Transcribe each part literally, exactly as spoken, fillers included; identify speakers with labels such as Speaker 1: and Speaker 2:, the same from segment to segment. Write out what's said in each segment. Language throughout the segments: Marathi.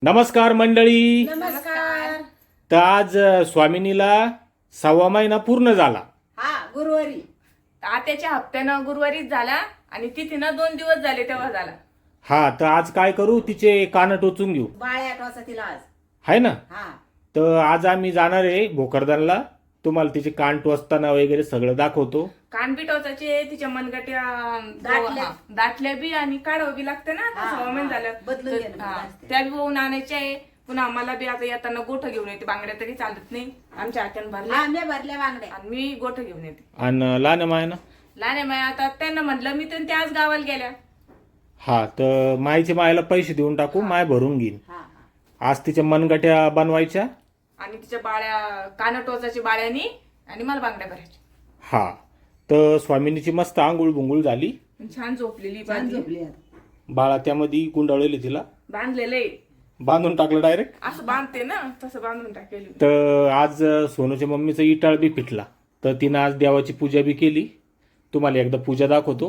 Speaker 1: नमस्कार मंडळी.
Speaker 2: नमस्कार.
Speaker 1: तर आज अ, स्वामिनीला सव्वा महिना पूर्ण झाला.
Speaker 2: हा गुरुवारी
Speaker 3: आत्याच्या हप्त्यानं गुरुवारीच झाला आणि तिथीनं दोन दिवस झाले तेव्हा झाला.
Speaker 1: हा, तर आज काय करू, तिचे कान टोचून घेऊ,
Speaker 2: बाळ आठ वाजता तिला आज.
Speaker 1: आहे ना.
Speaker 2: हा
Speaker 1: तर आज आम्ही जाणार आहे भोकरदनला. तुम्हाला तिचे कान टोचताना वगैरे सगळं दाखवतो.
Speaker 3: कान बी टोचायचे, तिच्या मनगट्या
Speaker 2: दाटल्या.
Speaker 3: हा, दाटल्या बी आणि काढावं बी लागतं ना.
Speaker 2: हा,
Speaker 3: आता सव्वा महिना
Speaker 2: हा.
Speaker 3: झालं
Speaker 2: बदलून
Speaker 3: तर,
Speaker 2: घेणं
Speaker 3: हा,
Speaker 2: असते.
Speaker 3: त्या बी होऊन आणायच्या आहे. पुन्हा आम्हाला बी आता येताना गोठ घेऊन येते. बांगड्या तरी चालत नाही, आमच्या हात्यानं भरल्या
Speaker 2: आंब्या भरल्या बांगड्या.
Speaker 3: आणि मी गोठ घेऊन येते.
Speaker 1: आणि लहान माय ना.
Speaker 3: लहान माया आता त्यांना म्हटलं मी तर त्या आज गावाला गेल्या.
Speaker 1: हा, तर माईच्या मायला पैसे देऊन टाकू, माय भरून घेईन.
Speaker 2: हा हा
Speaker 1: आज तिच्या मनगट्या बनवायच्या.
Speaker 3: आणि तिच्या बाळ्या कान टोचाची बाळ्यानी आणि मला बांगड्या भरायच्या.
Speaker 1: हा, तर स्वामिनीची मस्त आंघोळ बुंगुळ झाली.
Speaker 3: छान झोपलेली
Speaker 2: छान
Speaker 3: बाजी.
Speaker 2: झोपली आता.
Speaker 1: बाळा त्यामध्ये गुंडाळलेली, तिला
Speaker 3: बांधलेलं आहे.
Speaker 1: बांधून टाकलं डायरेक्ट.
Speaker 3: असं बांधते ना तसं बांधून टाकेल.
Speaker 1: तर आज सोनूच्या मम्मीचा इटाळ बी फिटला, तर तिनं आज देवाची पूजा बी केली. तुम्हाला एकदा पूजा दाखवतो.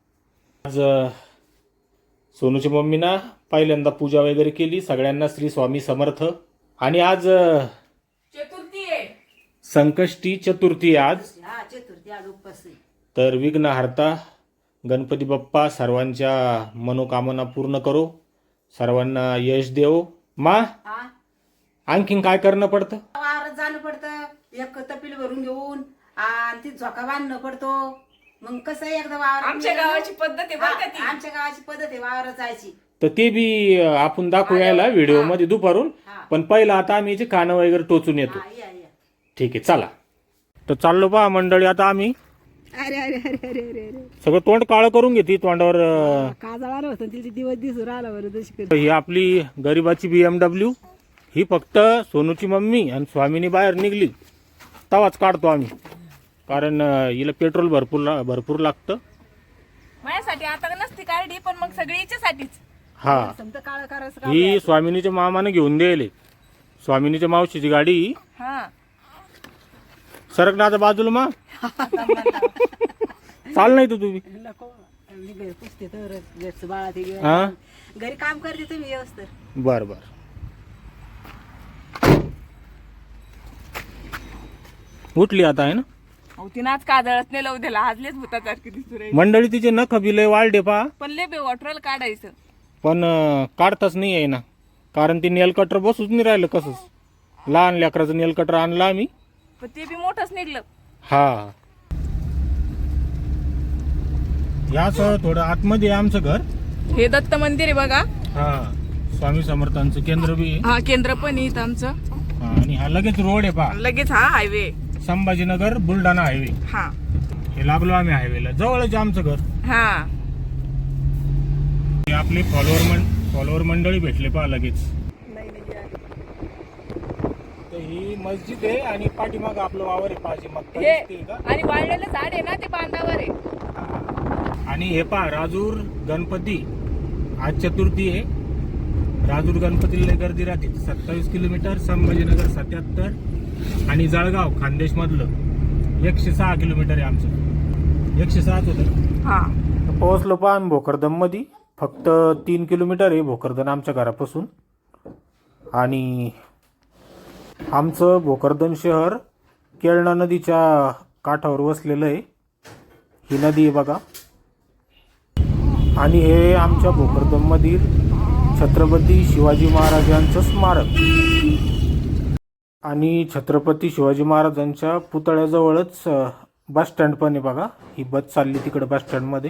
Speaker 1: आज अ, सोनूच्या मम्मीना पहिल्यांदा पूजा वगैरे केली. सगळ्यांना श्री स्वामी समर्थ. आणि आज अ,
Speaker 3: चतुर्थी आहे.
Speaker 1: संकष्टी चतुर्थी आहे आज.
Speaker 2: हा चतुर्थी आज उपवास आहे.
Speaker 1: तर विघ्नहर्ता गणपती बाप्पा सर्वांच्या मनोकामना पूर्ण करो, सर्वांना यश देव. मा,
Speaker 2: हा
Speaker 1: आणखीन काय करणं पडतं?
Speaker 2: वावरात जाणं पडतं, एक तपील भरून घेऊन आणि ती झोका बांधणं पडतो. मग कसं आहे, एकदा वावर
Speaker 3: आमच्या गावाची पद्धत आहे बरं का ती.
Speaker 2: आमच्या गावाची पद्धत आहे वावरात जायची.
Speaker 1: तर ते बी अ, आपण दाखवू यायला व्हिडिओ मध्ये दुपारून.
Speaker 2: हा.
Speaker 1: पण पहिलं आता आम्ही याचे कानं वगैरे टोचून येतो.
Speaker 2: हा या या.
Speaker 1: ठीक आहे, चला. तर चाललो पहा मंडळी. आता आम्ही
Speaker 2: अरे अरे अरे अरे अरे अरे
Speaker 1: सगळं तोंड काळं करून घेते तोंडावर. अ,
Speaker 2: काजळा होतं तिथे दिवस दिवस राहिला बरं तशी.
Speaker 1: ही आपली गरिबाची बी एम डब्ल्यू. ही फक्त सोनूची मम्मी आणि स्वामिनी बाहेर निघली तवाच काढतो आम्ही, कारण अ, हिला पेट्रोल भरपूर ला- भरपूर लागतं.
Speaker 3: माझ्यासाठी आता नसती काढली, पण मग सगळी हिच्यासाठीच.
Speaker 1: हा,
Speaker 2: समजा काळं करायचं
Speaker 1: ही स्वामिनीच्या मामाने घेऊन द्यायले. स्वामिनीच्या मावशीची गाडी ही.
Speaker 3: हा
Speaker 1: सरक ना आता बाजूला मा. चाल नाही तू तुम्ही.
Speaker 2: नको मी घरी पुसते तर घरचं बाळा ते घेऊन.
Speaker 1: हा,
Speaker 2: घरी काम करते तुम्ही व्यवस्थित.
Speaker 1: बर बर. उठली आता, आहे ना
Speaker 3: अहो तिनं आज काजळत नाही लावू दिला. आजलेच भूतासारखी दिसू राहिली.
Speaker 1: मंडळी. तिचे नख बी लय वाढले पहा,
Speaker 3: पण लय बे वॉटरल काढायचं.
Speaker 1: पण अं, काढताच नाही आहे ना, कारण ती नेल कटर बसूच नाही राहिलं कसंच. लहान लेकराचं नेल कटर आणलं आम्ही.
Speaker 3: पण ते बी मोठंच निघलं.
Speaker 1: हा, याच थोडं आतमध्ये आहे आमचं घर.
Speaker 3: हे दत्त मंदिर आहे बघा.
Speaker 1: हा, स्वामी समर्थांचं केंद्र बी आहे.
Speaker 3: हा केंद्र पण आहे इथं आमचं.
Speaker 1: हा, आणि हा लगेच रोड आहे पहा,
Speaker 3: लगेच हा हायवे.
Speaker 1: संभाजीनगर बुलढाणा हायवे.
Speaker 3: हा
Speaker 1: हे लागलो आम्ही हायवेला, जवळच आहे आमचं घर.
Speaker 3: हा
Speaker 1: हे आपले फॉलोअर मंड फॉलोअर मंडळी भेटले पहा लगेच. तर ही मस्जिद आहे आणि पाठीमाग आपलं वावर आहे पाहिजे मग.
Speaker 3: हे आणि वाळलेलं झाड आहे ना ते बांधावर आहे.
Speaker 1: आणि हे पहा राजूर गणपती. आज चतुर्थी आहे. राजूर गणपतीला लय गर्दी राहते. सत्तावीस किलोमीटर, संभाजीनगर सत्याहत्तर आणि जळगाव खानदेश मधलं एकशे सहा किलोमीटर आहे आमचं. एकशे सहाच होतं.
Speaker 3: हा
Speaker 1: पोहोचलो पहा आम्ही भोकरदन मध्ये. फक्त तीन किलोमीटर आहे भोकरदन आमच्या घरापासून. आणि आमचं भोकरदन शहर केळणा नदीच्या काठावर वसलेलं आहे. ही नदी आहे बघा. आणि हे आमच्या भोकरदन मधील छत्रपती शिवाजी महाराजांचं स्मारक. आणि छत्रपती शिवाजी महाराजांच्या पुतळ्याजवळच बस स्टँड पण आहे बघा. ही बस चालली तिकडे बस स्टँड मध्ये.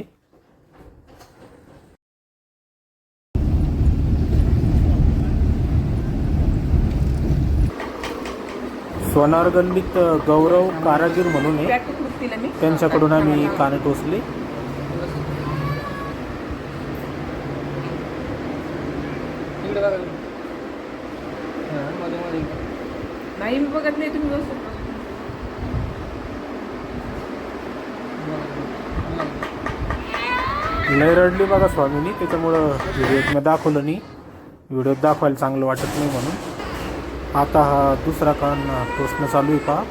Speaker 1: सोनार गल्लीत गौरव कारागीर म्हणून आहे,
Speaker 3: बॅक कृतीला मी
Speaker 1: त्यांच्याकडून आम्ही कान टोचले.
Speaker 3: नाही मी बघत नाही. तुम्ही व्यवस्थित बघा.
Speaker 1: लय रडली बघा स्वामीनी, त्याच्यामुळं व्हिडिओत दाखवलं नाही. व्हिडिओत दाखवायला चांगलं वाटत नाही म्हणून. आता हा दुसरा कान टोचणं चालू आहे पहा.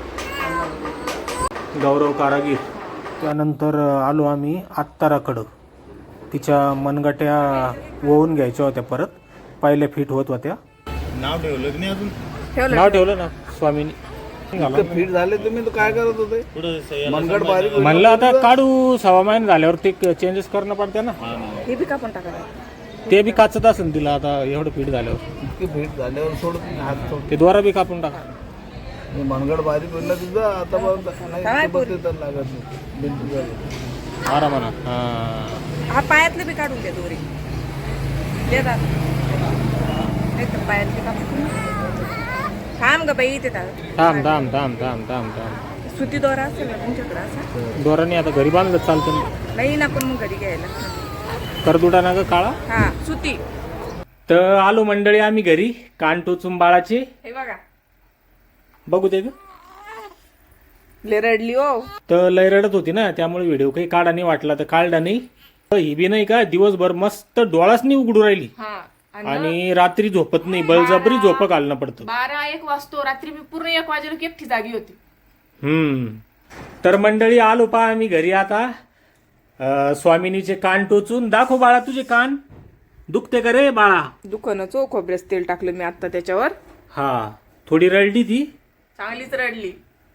Speaker 1: गौरव कारागीर. त्यानंतर आलो आम्ही आत्ताराकडं. तिच्या मनगट्या वळून घ्यायच्या होत्या परत. पहिल्या फिट होत होत्या.
Speaker 4: नाव ठेवलं की नाही अजून?
Speaker 3: ठेवलं
Speaker 1: नाव ठेवलं ना स्वामीनी.
Speaker 5: फिट झाले तुम्ही तर काय करत होते?
Speaker 4: पुढे
Speaker 5: मनगड बारीक होईल.
Speaker 1: म्हणलं आता काढू सहा महिने झाल्यावर ते चेंजेस करणं पडते ना.
Speaker 3: हे बी कापून टाकायचं.
Speaker 1: ते बी काचत असेल तिला आता एवढं पीठ झाल्यावर.
Speaker 5: इतकी फिट झाल्यावर सोडत नाही, हात सोड.
Speaker 1: ते द्वारा बी कापून टाका.
Speaker 5: हे मनगड बारीक होईल ना तुझं आता बघ, नाही
Speaker 3: काय
Speaker 5: सोबत येतात लागत नाही. बिलकुल झालं.
Speaker 1: आरामाना. हा
Speaker 3: हा पायातले बी काढून दे दोरी देतात नाही तर पायातले कापून थांब ग बाई ते
Speaker 1: थांब थांब थांब थांब थांब थांब.
Speaker 3: सुती दोरा असेल ना तुमच्याकडे असा?
Speaker 1: दोराने आता घरी बांधलं चालतं ना.
Speaker 3: नाही ना पण मग घरी घ्यायला.
Speaker 1: करदुडा ना ग काळा.
Speaker 3: हा सुती.
Speaker 1: तर आलो मंडळी आम्ही घरी. कान टोचून बाळाचे
Speaker 3: हे बघा
Speaker 1: बघू दे ग.
Speaker 3: ले रडली हो.
Speaker 1: तर लय रडत होती ना त्यामुळे व्हिडिओ काही काढा नाही वाटला तर काढला नाही. तर ही बी नाही का दिवसभर मस्त डोळाच नाही उघडू राहिली
Speaker 3: हा
Speaker 1: आणि रात्री झोपत नाही. बळजबरी झोप घालणं पडतं.
Speaker 3: बारा एक वाजतो रात्री मी पूर्ण एक वाजेला एकटी जागी होती.
Speaker 1: हम्म. तर मंडळी आलो पा आम्ही घरी आता. अं, स्वामिनीचे कान टोचून दाखव बाळा तुझे कान दुखते का रे बाळा.
Speaker 3: दुकानच हो खोबऱ्याच तेल टाकलं मी आता त्याच्यावर.
Speaker 1: हा थोडी रडली ती
Speaker 3: चांगलीच रडली.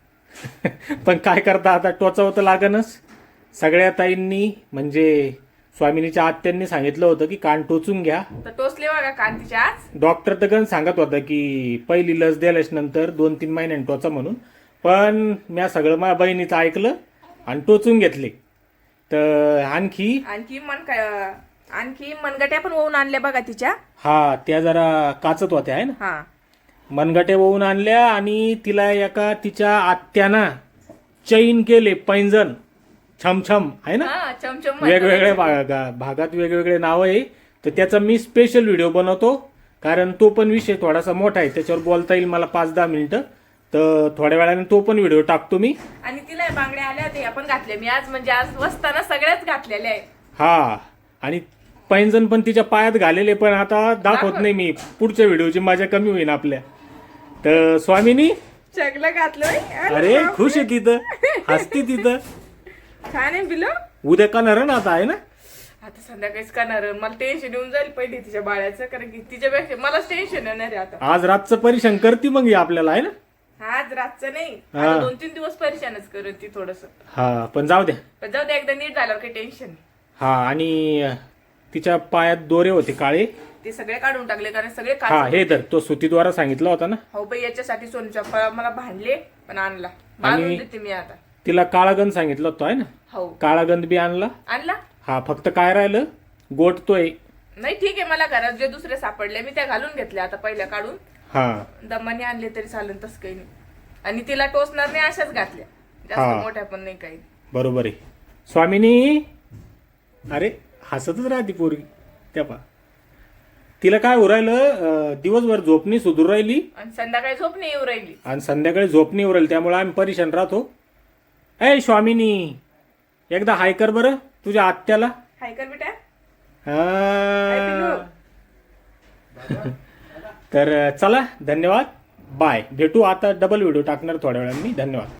Speaker 1: पण काय करता आता टोचावं तर लागणच. सगळ्या ताईंनी म्हणजे स्वामिनीच्या आत्यांनी सांगितलं होतं की कान टोचून घ्या.
Speaker 3: तर टोचले बघा कांतीच्या आज.
Speaker 1: डॉक्टर तर गण सांगत होता की पहिली लस द्यायलाच नंतर दोन तीन महिन्यांनी टोचा म्हणून. पण मी सगळं माझ्या बहिणीचं ऐकलं आणि टोचून घेतले. तर आणखी
Speaker 3: आणखी मन काय आणखी मनगट्या पण ओवून आणल्या बघा तिच्या.
Speaker 1: हा त्या जरा काचत होत्या आहे ना.
Speaker 3: हा
Speaker 1: मनगटे वाहून आणल्या आणि तिला एका तिच्या आत्याना चैन केले पैंजण छमछम आहे ना.
Speaker 3: हा चमचम
Speaker 1: वेगवेगळ्या भागा भागात वेगवेगळे नाव आहे. तर त्याचा मी स्पेशल व्हिडिओ बनवतो कारण तो पण विषय थोडासा मोठा आहे. त्याच्यावर बोलता येईल मला पाच दहा मिनिटं. तर थोड्या वेळाने तो पण व्हिडिओ टाकतो मी.
Speaker 3: आणि तिला बांगड्या आल्या होत्या आपण घातल्या मी आज म्हणजे आज वसताना सगळ्याच घातलेल्या आहे.
Speaker 1: हा आणि पैंजण पण तिच्या पायात घालेले पण आता दाखवत नाही मी. पुढच्या व्हिडिओची मजा कमी होईल आपल्या. तर स्वामिनी
Speaker 3: चगलं घातलं.
Speaker 1: अरे खुश आहे तिथं हसती तिथं.
Speaker 3: छान आहे बिलो.
Speaker 1: उद्या करणार ना आता आहे ना.
Speaker 3: आता संध्याकाळीच करणार. मला टेन्शन येऊन जाईल पहिले तिच्या बाळाचं कारण की तिच्यापेक्षा मलाच टेन्शन येणार आहे आता.
Speaker 1: आज रातचं परीक्षण करते मग ही आपल्याला आहे ना.
Speaker 3: आज रातचं नाही
Speaker 1: हा.
Speaker 3: आता दोन तीन दिवस परेशानच करत ती थोडस.
Speaker 1: हा पण जाऊ द्या.
Speaker 3: पण जाऊ दे एकदा नीट झाल्यावर काही टेन्शन नाही.
Speaker 1: हा आणि तिच्या पायात दोरे होते काळे.
Speaker 3: ते सगळे काढून टाकले कारण सगळे
Speaker 1: हा
Speaker 3: काढ.
Speaker 1: हे तर तो सुतीद्वारा सांगितला होता ना.
Speaker 3: हो बाई याच्यासाठी सोनूच्या फळा मला भांडले पण आणला. बांधून देते मी आता.
Speaker 1: तिला काळागंध सांगितलं होतं आहे ना.
Speaker 3: हो
Speaker 1: काळागंध बी आणला.
Speaker 3: आणला.
Speaker 1: हा फक्त काय राहिलं गोटतोय.
Speaker 3: नाही ठीक आहे मला घरात जे दुसरे सापडले मी त्या घालून घेतले आता पहिल्या काढून.
Speaker 1: हा
Speaker 3: दमाने आणले तरी चालेल तसं काही नाही. आणि तिला टोचणार नाही अशाच घातल्या
Speaker 1: हा.
Speaker 3: जास्त मोठ्या पण नाही काही.
Speaker 1: बरोबर आहे. स्वामिनी अरे हसतच राहते पोरगी त्या पा. तिला काय उरायलं दिवसभर झोपणी सुधरू राहिली
Speaker 3: आणि संध्याकाळी झोप नाही येऊ राहिली.
Speaker 1: आणि संध्याकाळी झोपणी उरायली त्यामुळे आम्ही परेशान राहतो. ए स्वामिनी एकदा हाय कर बरं तुझ्या आत्याला.
Speaker 3: हाय कर बेटा.
Speaker 1: हा. तर चला धन्यवाद बाय. भेटू आता डबल व्हिडिओ टाकणार थोड्या वेळाने मी. धन्यवाद.